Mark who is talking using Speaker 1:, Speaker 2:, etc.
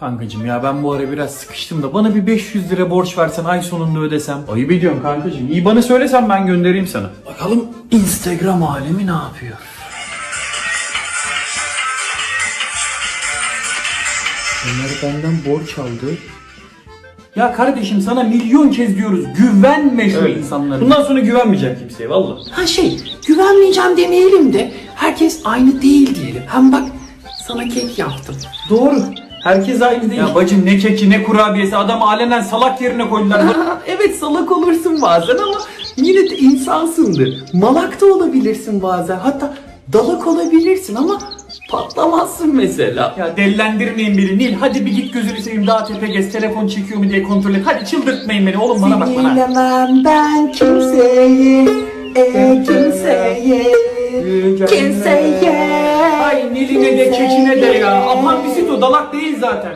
Speaker 1: Kankacım ya ben bu ara biraz sıkıştım da bana bir 500 lira borç versen ay sonunda ödesem. Ayıp ediyorum kankacım. İyi bana söylesen ben göndereyim sana. Bakalım Instagram alemi ne yapıyor? Bunları benden borç aldı. Ya kardeşim sana milyon kez diyoruz güvenme şu insanlara. Bundan sonra güvenmeyeceğim kimseye valla.
Speaker 2: Güvenmeyeceğim demeyelim de herkes aynı değil diyelim. Hem bak sana kek yaptım.
Speaker 1: Doğru. Herkes aynı değil. Ya bacım ne keki ne kurabiyesi adam alenen salak yerine koydular.
Speaker 2: Evet salak olursun bazen ama yine de insansındır. Malak da olabilirsin bazen. Hatta dalak olabilirsin ama patlamazsın mesela.
Speaker 1: Ya delilendirmeyin beni Nil. Hadi bir git gözünü seveyim daha tepe gez. Telefon çekiyor mu diye kontrol et. Hadi çıldırtmayın beni oğlum bana bak bana.
Speaker 2: Sinirlemem ben kimseye, kimseye.
Speaker 1: Ay Nil'ine de kekine de ya. Aman bisit o dalak değil zaten.